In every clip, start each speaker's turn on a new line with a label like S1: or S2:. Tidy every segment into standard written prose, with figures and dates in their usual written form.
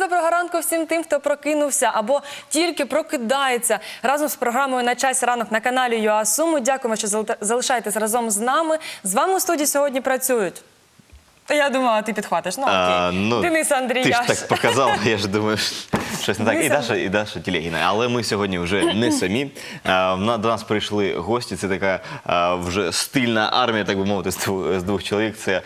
S1: доброго ранку всім тим, хто прокинувся або тільки прокидається разом з програмою «На часі ранок» на каналі ЮА Суми. Дякуємо, що залишаєтесь разом з нами. З вами у студії сьогодні працюють. Я думала, ти підхватиш. Ну, окей. Денис Андріяш.
S2: Ти ж так показав, я ж думаю, щось не так. І Даша Телегіна. Але ми сьогодні вже не самі. До нас прийшли гості. Це така вже стильна армія, так би мовити, з двох чоловік. Це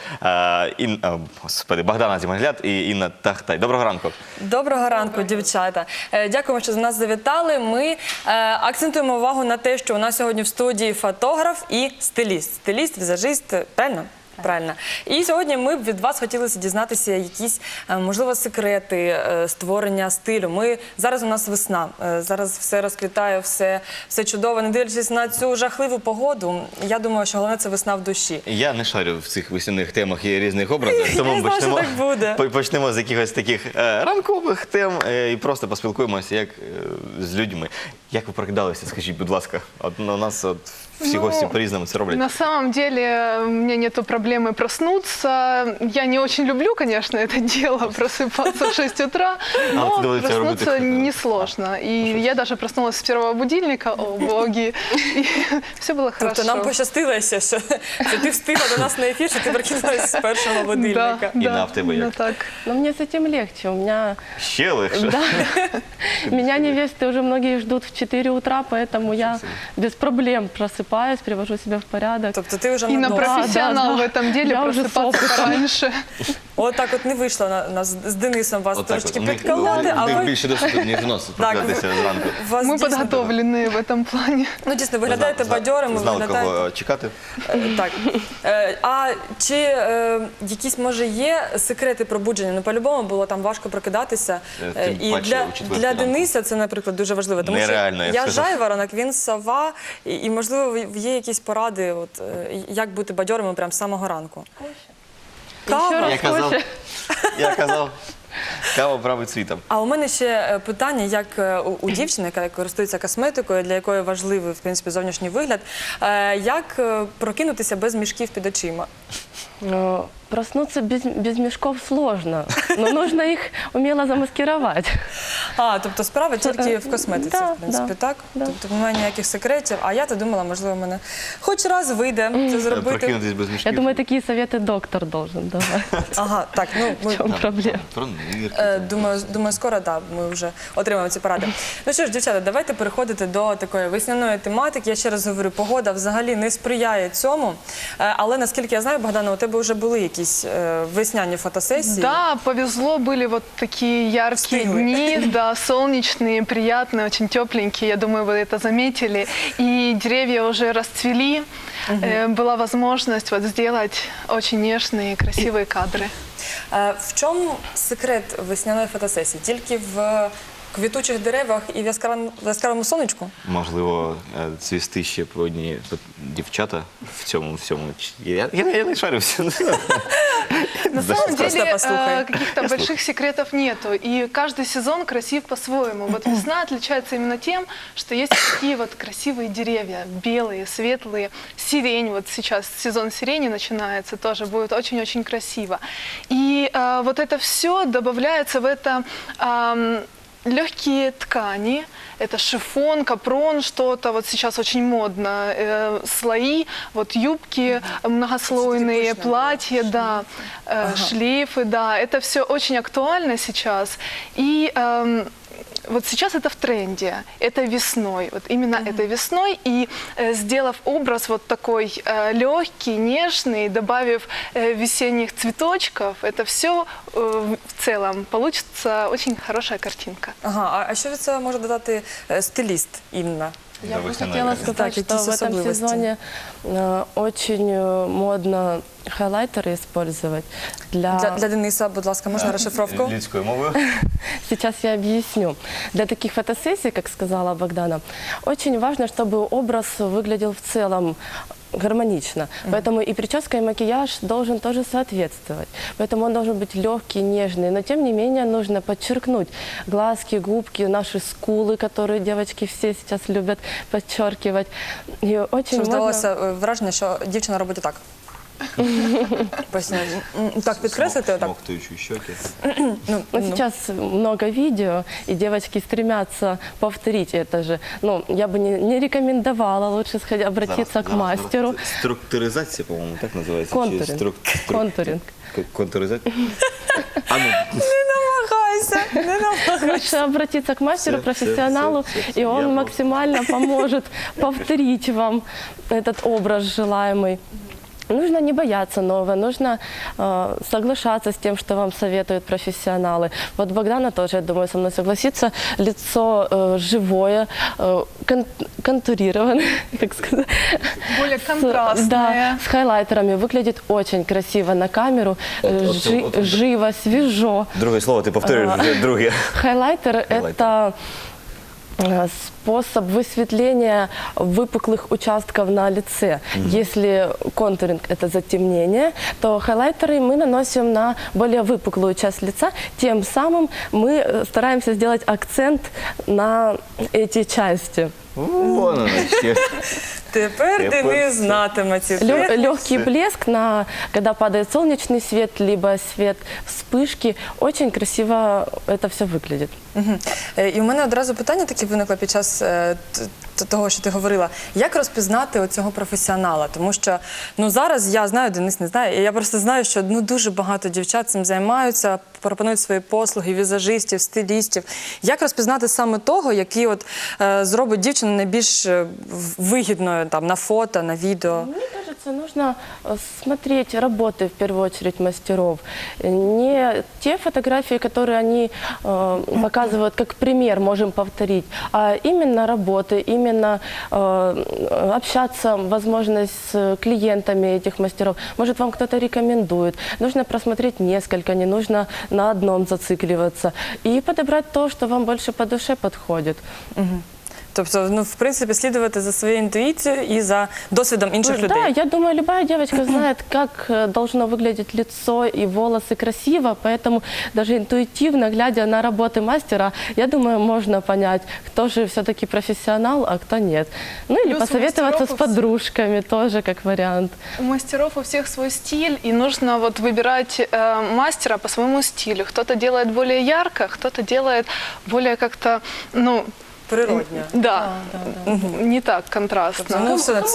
S2: Богдана Зімагляд і Інна Тахтай. Доброго ранку.
S1: Доброго ранку, дівчата. Дякуємо, що до нас завітали. Ми акцентуємо увагу на те, що у нас сьогодні в студії фотограф і стиліст. Стиліст, візажист, правильно? Правильно. І сьогодні ми б від вас хотілося дізнатися якісь, можливо, секрети створення стилю. Зараз у нас весна, зараз все розквітає, все чудово. Не дивлячись на цю жахливу погоду, я думаю, що головне – це весна в душі.
S2: Я не шарю в цих весняних темах і різних образах, тому почнемо з якихось таких ранкових тем і просто поспілкуємося як з людьми. Як ви прокидалися, скажіть, будь ласка? У нас всі гості по-різному це роблять.
S3: На самом деле у меня нету проблемы проснуться. Я не очень люблю, конечно, это дело, просыпаться в 6 утра, но проснуться несложно. И я даже проснулась с первого будильника, о боги, и все было хорошо.
S1: Тобто нам пощастило, що ти встигла до нас на ефір, що ти прокинулася з першого будильника.
S2: Інна, в тебе як?
S4: Но мне с этим легче. У меня...
S2: Ще легше?
S4: Да. Меня невесты уже многие ждут в 4 утра, поэтому я без проблем просыпаюсь, привожу себя в порядок.
S1: Тобто ти вже
S3: Инна профессионал в этом деле,
S4: Я уже
S3: просыпаться пораньше.
S1: От так от не вийшло нас з Денисом вас трошечки
S2: У
S1: підколоти, а
S2: них
S1: ви...
S2: більше досвіду, ніж у нас, прокидатися зранку.
S3: Мы подготовлены в этом плане.
S1: Ну, дійсно, виглядаєте бадьорими,
S2: знали, кого чекати.
S1: Так. А чи якісь, може, є секрети пробудження? Ну, по-любому було там важко прокидатися. І для Дениса це, наприклад, дуже важливо. Тому що я жайворонок, він сова, і, можливо, є якісь поради, як бути бадьорими прямо з самого ранку. Кава.
S2: Я казав, кава править світом.
S1: А у мене ще питання, як у дівчини, яка користується косметикою, для якої важливий, в принципі, зовнішній вигляд, як прокинутися без мішків під очима?
S4: Проснуться без мешков сложно, но нужно их умело замаскировать.
S1: Тобто справа тільки в косметиці, в принципі, так? Тобто немає ніяких секретів, а я-то думала, можливо, мене хоч раз вийде це зробити.
S2: Прокинутись без мішків.
S4: Я думаю, такие советы доктор должен давать.
S1: Ага, так, ну,
S4: В чем проблема?
S1: думаю, скоро, так, ми вже отримаємо ці поради. Ну що ж, дівчата, давайте переходити до такої весняної тематики. Я ще раз говорю, погода взагалі не сприяє цьому, але, наскільки я знаю, Богдана, у тебе вже були якісь весняні фотосессии.
S3: Да, повезло, были вот такие яркие дни, да, солнечные, приятные, очень тепленькие, я думаю, вы это заметили. И деревья уже расцвели, была возможность вот сделать очень нежные, красивые кадры.
S1: В чому секрет весняної фотосесії? Тільки в квітучих деревах і в яскравому сонечку?
S2: Можливо, цвісти ще по одні дівчата в цьому всьому. Я не шарюся.
S3: На самом деле каких-то больших секретов нету, и каждый сезон красив по-своему. Вот весна отличается именно тем, что есть такие вот красивые деревья, белые, светлые, сирень, вот сейчас сезон сирени начинается, тоже будет очень-очень красиво. И вот это все добавляется в это легкие ткани, это шифон, капрон, что-то, вот сейчас очень модно, слои, вот юбки многослойные, платья, да, шлейфы, да, это все очень актуально сейчас. И вот сейчас это в тренде, это весной, вот именно этой весной, и сделав образ вот такой легкий, нежный, добавив весенних цветочков, это все в целом получится очень хорошая картинка.
S1: Ага, а що від цього може додати стиліст Інна?
S4: Я бы хотела сказать, что в этом сезоне очень модно хайлайтеры использовать.
S1: Для Дениса, будь ласка, можна розшифровку?
S2: Людською мовою.
S4: Сейчас я объясню. Для таких фотосессий, как сказала Богдана, очень важно, чтобы образ выглядел в целом гармонично. Поэтому и прическа, и макияж должен тоже соответствовать. Поэтому он должен быть легкий, нежный. Но тем не менее нужно подчеркнуть глазки, губки, наши скулы, которые девочки все сейчас любят подчеркивать. И очень
S1: Що здавалося враження, що дівчина робить так. Так, підкреслити отак.
S2: Смоктуючи щоки.
S1: Ну,
S4: Сейчас много видео, и девочки стремятся повторить это же. Ну, я бы не рекомендовала, лучше обратиться к мастеру.
S2: Структуризація, по-моєму, так називається?
S4: Контуринг. Контуринг.
S2: Контуризація?
S1: Не намагайся.
S4: Лучше обратиться к мастеру, профессионалу, и он максимально поможет повторить вам этот образ желаемый. Нужно не бояться нового, нужно соглашаться с тем, что вам советуют профессионалы. Вот Богдана тоже, я думаю, со мной согласится. Лицо живое, контурированное, так сказать.
S3: Более контрастное.
S4: Да, с хайлайтерами. Выглядит очень красиво на камеру, живо, свежо.
S2: Друге слово, ти повторюєш вже друге.
S4: Хайлайтер – это способ высветления выпуклых участков на лице. Если контуринг – это затемнение, то хайлайтеры мы наносим на более выпуклую часть лица. Тем самым мы стараемся сделать акцент на эти части.
S2: Вон воно ще.
S1: Тепер Денис знатиме ці
S4: Легкий блеск, когда падает солнечный свет, либо свет вспышки. Очень красиво это все выглядит.
S1: І у мене одразу питання таке виникло під час того, що ти говорила. Як розпізнати оцього професіонала? Тому що зараз я знаю, Денис не знає, і я просто знаю, що дуже багато дівчат цим займаються, пропонують свої послуги, візажистів, стилістів. Як розпізнати саме того, який зробить дівчину найбільш вигідною на фото, на відео?
S4: Мне кажется, нужно смотреть работы, в первую очередь, мастеров. Не те фотографии, которые они показывают как пример, можем повторить, а именно работы, именно общаться, возможность с клиентами этих мастеров. Может, вам кто-то рекомендует. Нужно просмотреть несколько, не нужно на одном зацикливаться. И подобрать то, что вам больше по душе подходит.
S1: Тобто, в принципі, слідувати за своєю інтуїцією і за досвідом інших людей.
S4: Да, я думаю, любая девочка знает, как должно выглядеть лицо и волосы красиво, поэтому даже интуитивно, глядя на работы мастера, я думаю, можно понять, кто же все-таки профессионал, а кто нет. Ну или
S3: Плюс
S4: посоветоваться с подружками тоже как вариант.
S3: У мастеров у всех свой стиль, и нужно выбирать мастера по своему стилю. Кто-то делает более ярко, кто-то делает более как-то,
S1: Природньо.
S3: Да, не так контрастно.
S1: Це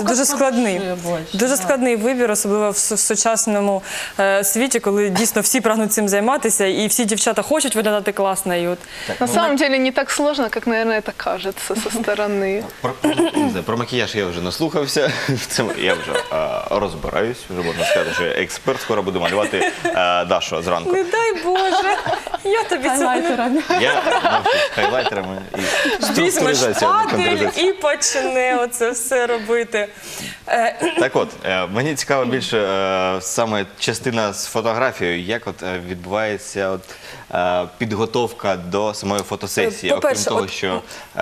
S1: дуже складний вибір, особливо в сучасному світі, коли дійсно всі прагнуть цим займатися, і всі дівчата хочуть виглядати класно.
S3: На самом деле не так сложно, как, наверное, это кажется со стороны.
S2: Про макіяж я вже наслухався, я вже розбираюсь, вже можна сказати, що я експерт, скоро буду малювати Дашу зранку.
S1: Не дай Боже, я тобі цього
S4: Хайлайтерами.
S2: Я навчусь хайлайтерами і
S1: візьмеш
S2: структуризацію.
S1: патель і почне оце все робити.
S2: Так от, мені цікаво більше саме частина з фотографією, як відбувається підготовка до самої фотосесії, окрім
S1: По-перше,
S2: того, що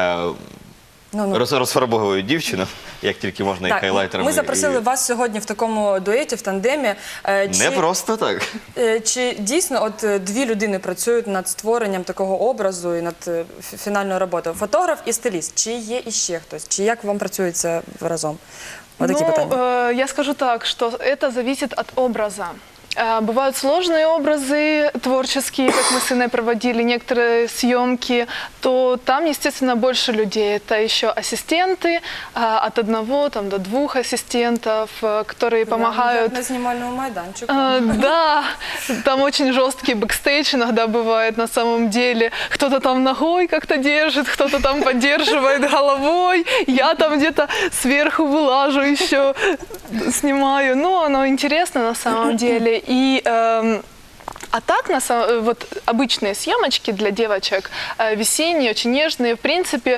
S2: розфарбовують дівчину, як тільки можна, і хайлайтерами.
S1: Ми запросили вас сьогодні в такому дуеті, в тандемі.
S2: Не просто так.
S1: Чи дійсно дві людини працюють над створенням такого образу і над фінальною роботою? Фотограф і стиліст. Чи є іще хтось? Чи як вам працюється разом?
S3: Я скажу так, что это зависит от образа. Бывают сложные образы творческие, как мы с Инной проводили некоторые съемки, то там, естественно, больше людей. Это еще ассистенты, от 1 до 2 ассистентов, которые помогают.
S1: На снимальному майданчику.
S3: Да, там очень жесткий бэкстейдж иногда бывает на самом деле. Кто-то там ногой как-то держит, кто-то там поддерживает головой. Я там где-то сверху вылажу еще, снимаю. Ну, оно интересно на самом деле. И а так, обычные съемочки для девочек, весенние, очень нежные, в принципе,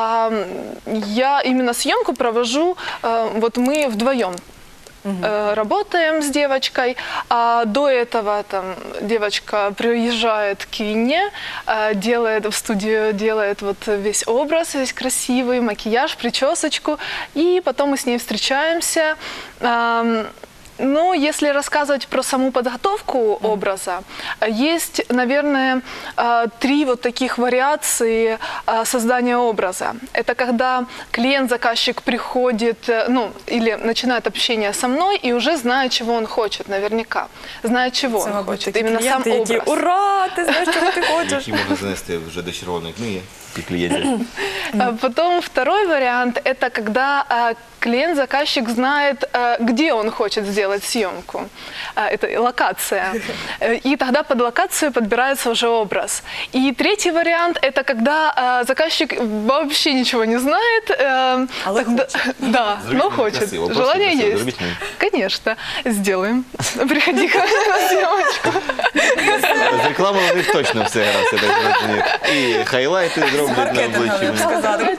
S3: я именно съемку провожу, мы вдвоем. Работаем с девочкой, а до этого девочка приезжает к Инне, в студию делает весь образ, весь красивый, макияж, причесочку, и потом мы с ней встречаемся. Ну, если рассказывать про саму подготовку образа, есть, наверное, 3 вот таких вариации создания образа. Это когда клиент-заказчик приходит, ну, или начинает общение со мной и уже знает, чего он хочет, наверняка. Знает, чего он хочет. Именно сам
S1: клієнти, які,
S3: образ.
S1: ура, ти знаєш, чого ти хочеш.
S2: Які можна занести вже до червоної книги і клієнтів.
S3: Потом второй вариант – это когда клиент-заказчик знает, где он хочет сделать съемку. Это локация. И тогда под локацию подбирается уже образ. И третий вариант – это когда заказчик вообще ничего не знает. Тогда, да, но хочет.
S2: Красиво. Просто
S3: Желание
S2: красиво.
S3: есть.
S2: Зробіть мені.
S3: Конечно, сделаем. Приходи ко мне на съемочку.
S2: З рекламою у них точно все гаразд, я так розумію. І хайлайти зроблять на обличчі.
S1: Сказати.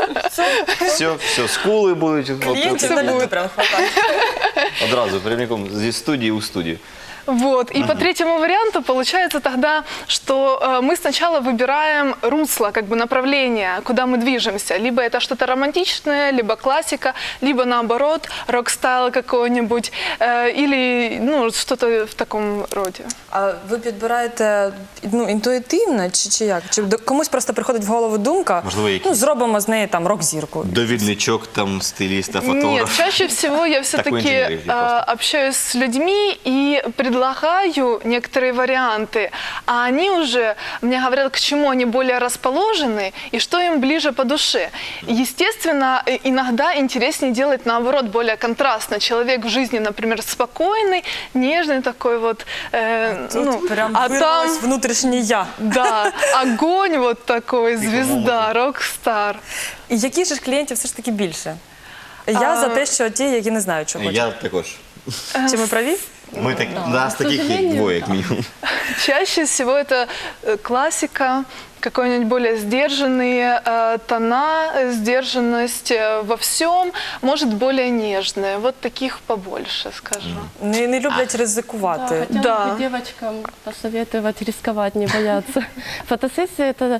S2: Все, скули будуть.
S1: Клієнтів на люту прям хватає.
S2: Одразу, прямиком зі студії у студію.
S3: Вот. И по третьему варианту получается тогда, что мы сначала выбираем русло, как бы направление, куда мы движемся. Либо это что-то романтичное, либо классика, либо наоборот, рок-стайл какой-нибудь, или ну, что-то в таком роде.
S1: А ви підбираєте інтуїтивно чи як? Чи комусь просто приходить в голову думка,
S2: Можливо, якісь-
S1: зробимо з неї там рок-зірку?
S2: Довідничок там стиліста,
S3: Нет,
S2: фотографа.
S3: чаще всего я
S2: Такой
S3: все-таки
S2: инженерии просто.
S3: общаюсь с людьми и предлагаю некоторые варианты, а они уже мне говорят, к чему они более расположены и что им ближе по душе. Естественно, иногда интереснее делать наоборот, более контрастно. Человек в жизни, например, спокойный, нежный такой вот,
S1: Тут прям
S3: а там,
S1: вирвалось внутрішнє я.
S3: да, огонь вот такой, звезда, рок-стар.
S1: І яких же ж клієнтів все ж таки більше? Я за те, що ті, які не знають, що хочуть.
S2: Я також.
S1: Чи ми праві?
S2: Ми так, нас таких є
S4: сожалению,
S2: двоє, як мінімум.
S3: Чаще всего это классика, какой-нибудь более сдержанные тона, сдержанность во всем, может более нежная. Вот таких побольше, скажу.
S1: Не люблять ризикувати.
S4: Хотела
S3: Да.
S4: бы девочкам посоветовать рисковать, не бояться. Фотосессия – это,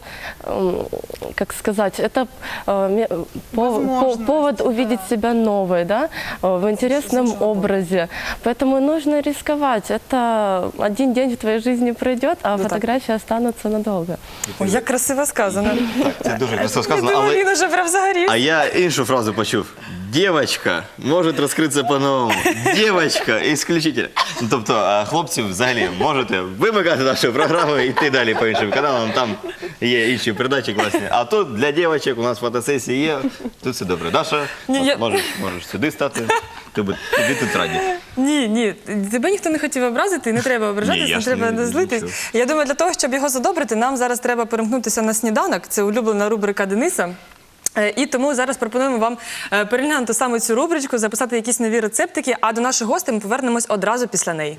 S4: как сказать, это
S3: Возможность,
S4: повод увидеть себя новой, да, в интересном образе. Поэтому нужно рисковать. Это один день в твоей жизни пройдет, а
S1: так.
S4: фотографии останутся надолго.
S1: Ой, як красиво сказано.
S2: Так, це дуже красиво сказано, але...
S1: Він уже прям загорів.
S2: А я іншу фразу почув. Девочка може розкритися по-новому. Девочка, исключительно. Ну, тобто, хлопці, взагалі, можете вимикати нашу програму і йти далі по іншим каналам. Там є інші передачі класні. А тут для дівчаток у нас фотосесії є. Тут все добре. Даша, можеш сюди стати. Тобі тут раді.
S1: Ні, тебе ніхто не хотів образити, і не треба ображатися,
S2: Ні, я
S1: не
S2: ж
S1: треба
S2: не-
S1: злитись.
S2: нічого.
S1: Я думаю, для того, щоб його задобрити, нам зараз треба перемкнутися на сніданок. Це улюблена рубрика Дениса. І тому зараз пропонуємо вам переглянути саме цю рубричку, записати якісь нові рецептики, а до наших гостей ми повернемось одразу після неї.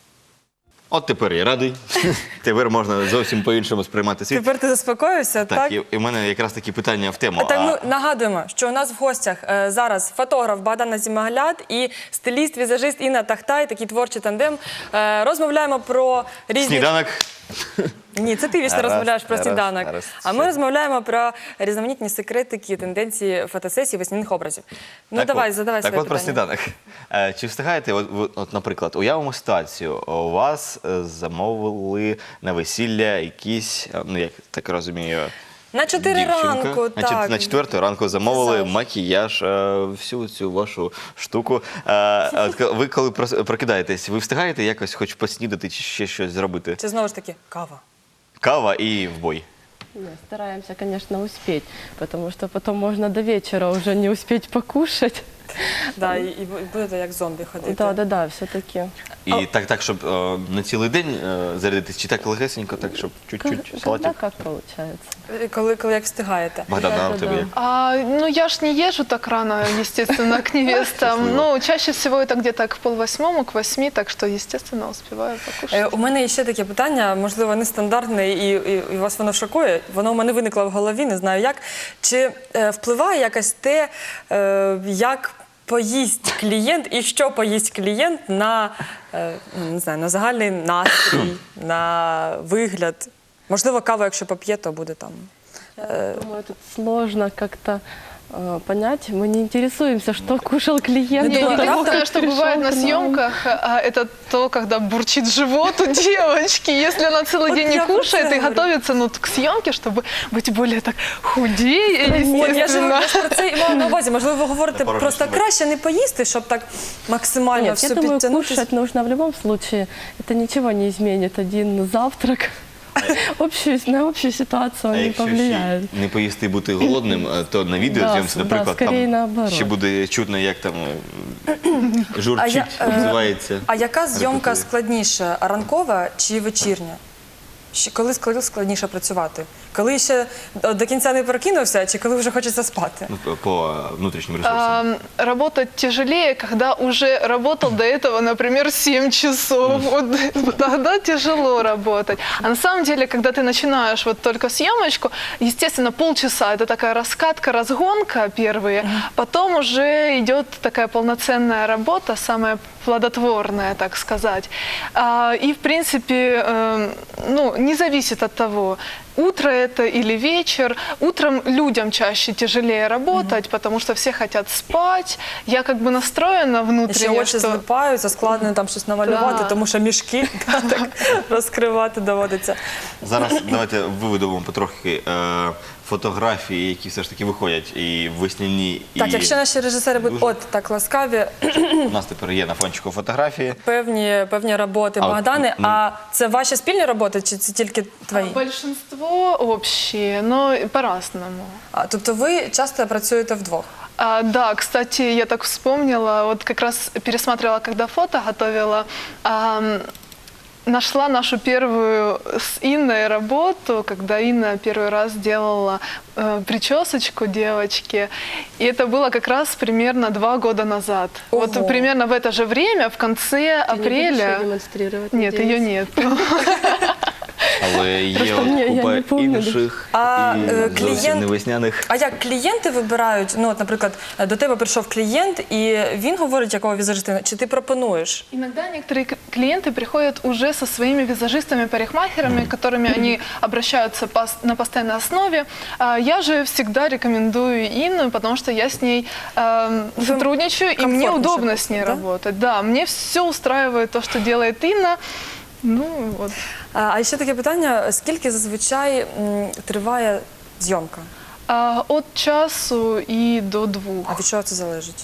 S2: От тепер я радий. Тепер можна зовсім по-іншому сприймати світ.
S1: Тепер ти заспокоївся,
S2: Так,
S1: так?
S2: і в мене якраз такі питання в тему.
S1: Так, ми нагадуємо, що у нас в гостях зараз фотограф Богдан Азімагляд і стиліст, візажист Інна Тахтай, такий творчий тандем. Розмовляємо про різні...
S2: Сніданок.
S1: Ні, це ти вічно
S2: Гаразд,
S1: розмовляєш про
S2: гаразд,
S1: сніданок.
S2: гаразд.
S1: А ми розмовляємо про різноманітні секретики, тенденції фотосесій, весняних образів. Ну давай, задавай
S2: Так
S1: своє
S2: от про
S1: питання.
S2: сніданок. Чи встигаєте, от, наприклад, уявимо ситуацію, у вас замовили на весілля якісь, ну як так розумію,
S1: На 4
S2: дівчинка.
S1: ранку, так.
S2: На 4 ранку замовили
S1: Писав.
S2: макіяж, всю цю вашу штуку. Ви коли прокидаєтесь, ви встигаєте якось хоч поснідати чи ще щось зробити?
S1: Чи знову ж таки кава?
S2: Кава і в бой.
S4: Нет, стараемся, конечно, успеть, потому что потом можно до вечера уже не успеть покушать.
S1: Да, і будете як зомбі ходити.
S4: Да, все-таки.
S2: І так, щоб на цілий день зарядитись, чи так легесенько, так, щоб чуть-чуть
S4: Когда
S2: салатів?
S4: как получается.
S1: Коли як встигаєте.
S2: Богдан, а у
S4: Да-да-да.
S2: тебе як?
S3: Ну, я ж не езжу так рано, естественно, к невестам. Ну, чаще всего это где-то к 7:30, к 8, так что, естественно, успеваю покушать.
S1: У мене є ще таке питання, можливо, нестандартне, і вас воно шокує. Воно у мене виникло в голові, не знаю як. Чи впливає якось те, як поїсть клієнт і що поїсть клієнт на, не знаю, на загальний настрій, на вигляд? Можливо, каву, якщо поп'є, то буде там.
S4: Думаю, тут сложно как-то понять. Мы не интересуемся, что кушал клиент.
S3: Не,
S4: до того,
S3: единственное,
S4: как
S3: что
S4: пришел
S3: бывает на
S4: к нам.
S3: съемках, это то, когда бурчит живот у девочки. Если она целый
S1: Вот
S3: день не
S1: я про
S3: кушает
S1: це
S3: и
S1: говорю.
S3: готовится к съемке, чтобы быть более так худее,
S1: От, я ж
S3: естественно.
S1: про це і мала на увазі. Можливо, ви говорите
S2: Порожній
S1: просто
S2: шлунок.
S1: краще не поїсти, щоб так максимально
S4: Нет,
S1: все
S4: я думаю,
S1: підтягнутися.
S4: кушать нужно в любом случае. Это ничего не изменит. Один завтрак на общую ситуацию
S2: А
S4: он не
S2: якщо
S4: повлияет.
S2: ще не поїсти і бути голодним, то на відеозйомці,
S4: Да,
S2: наприклад,
S4: скорее
S2: там
S4: наоборот.
S2: ще буде чутно, як там журчить, називається.
S1: А яка зйомка
S2: Репетує.
S1: складніша, ранкова чи вечірня? Коли складніше працювати? Коли ще до кінця не прокинувся, чи коли вже хочеться спати?
S2: Ну, по внутрішнім ресурсам.
S3: Работать тяжелее, когда уже работал до этого, например, 7 часов. Вот тогда тяжело работать. А на самом деле, когда ты начинаешь вот только съемочку, естественно, полчаса это такая раскатка, разгонка первые, потом уже идет такая полноценная работа, самая плодотворная, так сказать. И, в принципе, ну, не зависит от того, утро это или вечер. Утром людям чаще тяжелее работать, потому что все хотят спать. Я как бы настроена
S1: І ще
S3: внутренне,
S1: очі
S3: что...
S1: злипаються, складно там щось намалювати,
S3: Да.
S1: тому що мішки так розкривати доводиться.
S2: Зараз давайте виведемо потрохи фотографії, які все ж таки виходять і весняні, і
S1: Так, якщо наші режисери будуть
S2: дуже-
S1: от так ласкаві,
S2: у нас тепер є на фончику фотографії.
S1: певні роботи
S2: А от,
S1: Богдани,
S2: ну-
S1: а це ваші спільні роботи, чи це тільки твої?
S3: Большинство общие, но по-разному.
S1: Тобто ви часто працюєте вдвох?
S3: Да, кстати, я так вспомнила, вот как раз пересматривала, когда фото готовила, нашла нашу первую с Инной работу, когда Инна первый раз делала причесочку девочке. И это было как раз примерно 2 года назад.
S1: Ого.
S3: Вот примерно в это же время, в конце
S4: Ты не будешь
S3: апреля...
S4: её демонстрировать,
S3: Нет,
S4: надеюсь?
S3: ее нет.
S2: Але є
S4: Просто
S2: от
S4: я
S2: купа
S4: не помню.
S2: інших
S1: А,
S2: і зовсім
S1: клієнт-
S2: не весняних.
S1: А як клієнти вибирають? Ну, от, наприклад, до тебе прийшов клієнт, і він говорить, якого візажиста, чи ти пропонуєш?
S3: Иногда некоторые клиенты приходят уже со своими визажистами-парикмахерами, к которыми они обращаются на постоянной основе. Я же всегда рекомендую Инну, потому что я с ней сотрудничаю, и мне
S1: комфортно
S3: удобно
S1: же,
S3: с ней
S1: да?
S3: работать. Да, мне все устраивает то, что делает Инна. Ну, вот.
S1: А ще таке питання, скільки зазвичай триває зйомка?
S3: От часу и до 2.
S1: А від чого це залежить?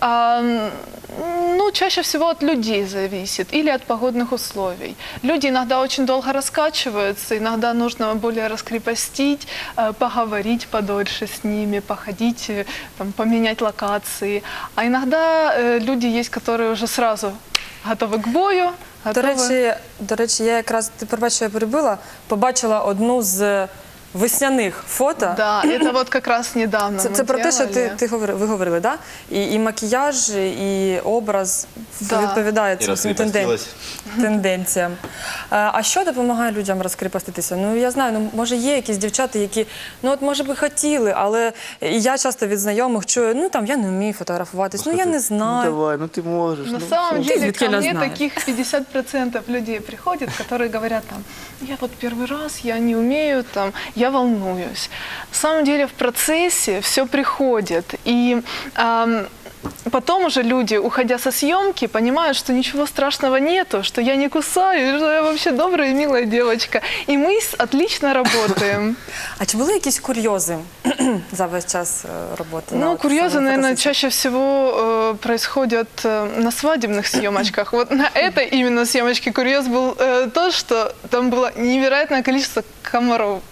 S3: Ну, чаще всего от людей зависит или от погодных условий. Люди иногда очень долго раскачиваются, иногда нужно более раскрепостить, поговорить подольше с ними, походить, там, поменять локации. А иногда люди есть, которые уже сразу готовы к бою.
S1: До речі, я якраз, ти пробач, що я перебила, побачила одну з весняних фото.
S3: Да, это вот как раз недавно
S1: Це
S3: мы
S1: про те, що
S3: делали.
S1: ви говорили, да? І макіяж, і образ
S3: Да.
S1: відповідає
S2: І
S1: цим всім
S2: розкріпостилась.
S1: тенденціям. А що допомагає людям розкріпоститися? Ну, я знаю, ну, може є якісь дівчата, які, ну, от, може би хотіли, але і я часто від знайомих чую, ну, там, я не вмію фотографуватись, ну, я не знаю.
S2: Ну давай, ну ти можеш.
S3: На
S2: ну,
S3: самом деле,
S1: звідки
S3: ко
S1: я
S3: мне
S1: знаю?
S3: таких 50% людей приходят, которые говорят там, я вот первый раз, я не умею, там, я волнуюсь. На самом деле в процессе все приходит. И потом уже люди, уходя со съемки, понимают, что ничего страшного нету, что я не кусаю, что я вообще добрая и милая девочка. И мы отлично работаем.
S1: А чи були якісь курйози за весь час роботи?
S3: Ну,
S1: на
S3: курьезы,
S1: самій
S3: наверное,
S1: фотосесії?
S3: чаще всего происходят на свадебных съемочках. Вот на этой именно съемочке курьез был то, что там было невероятное количество комаров.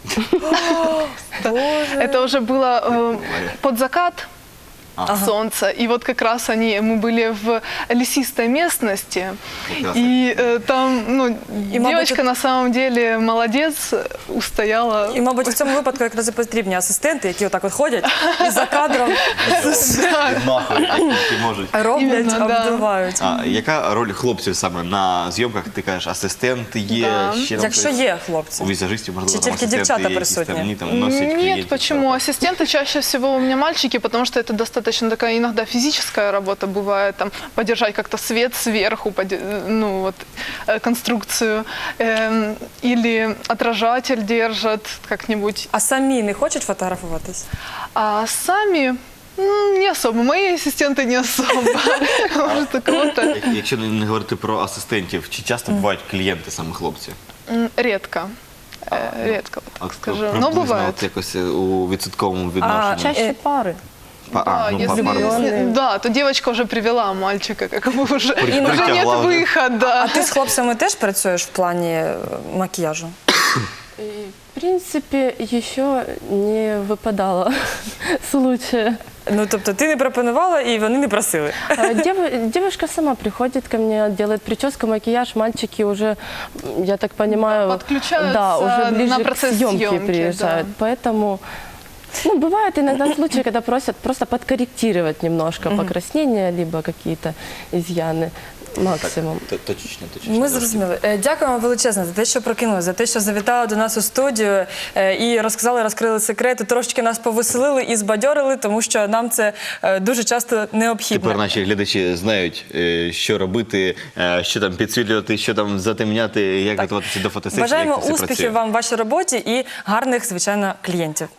S3: Это уже было под закат. Солнца. И вот как раз мы были в лесистой местности.
S2: Прекрасно.
S3: И там, ну, девочка
S1: мабуть,
S3: на самом деле молодец, устояла.
S1: І, мабуть, в цьому випадку якраз і потрібні асистенти, які отак от ходять і за кадром
S2: Відмахують, які можуть.
S1: роблять,
S3: Іменно, да.
S1: обдувають.
S2: А яка роль хлопців саме на зйомках? Ти кажеш, асистенти є,
S3: Да.
S2: ще там
S1: Якщо
S2: щось?
S1: є хлопці.
S2: У візажистів, можливо,
S1: Чи
S2: там
S1: тільки
S2: асистенти
S1: дівчата
S2: якісь там,
S1: присутні?
S2: ні, там носять клієнтів.
S3: Нет, почему? Ассистенты чаще всего у меня мальчики, потому что это достаточно такая иногда физическая работа бывает, там, подержать как-то свет сверху, ну вот, конструкцию, или отражатель держат как-нибудь.
S1: А самі не хочуть фотографуватись?
S3: А сами Не особо. Мои ассистенты не особо. Может, у кого-то
S2: Якщо не говорити про асистентів, чи часто бувають клієнти саме хлопці?
S3: редко. Редко, вот так скажу. Но
S2: Приблизно
S3: бывает.
S2: от якось у відсотковому відношенні.
S4: Чаще пары.
S3: Да, если
S4: влюбленные.
S3: да, то девочка уже привела мальчика, как бы уже нет
S2: притягла уже.
S3: выхода.
S1: А ти з хлопцями теж працюєш в плані макіяжу?
S4: И, в принципе, еще не выпадало случая.
S1: Ну, тобто ти не пропонувала і вони не просили.
S4: Девушка сама приходит ко мне, делает прическу, макияж, мальчики уже, я так понимаю,
S3: Подключаются
S4: да, уже ближе
S3: на процесс
S4: к съемке
S3: съемки,
S4: приезжают. Поэтому, ну, бывают иногда случаи, когда просят просто подкорректировать немножко покраснения, либо какие-то изъяны. Максимум.
S2: Точечно.
S1: Ми зрозуміли. Дякуємо величезно за те, що прокинули, за те, що завітали до нас у студію і розказали, розкрили секрети, трошки нас повеселили і збадьорили, тому що нам це дуже часто необхідно.
S2: Тепер наші глядачі знають, що робити, що там підсвітлювати, що там затемняти, як готуватися до фотосесії.
S1: Бажаємо
S2: як це все
S1: успіхів
S2: працює.
S1: вам в вашій роботі і гарних, звичайно, клієнтів.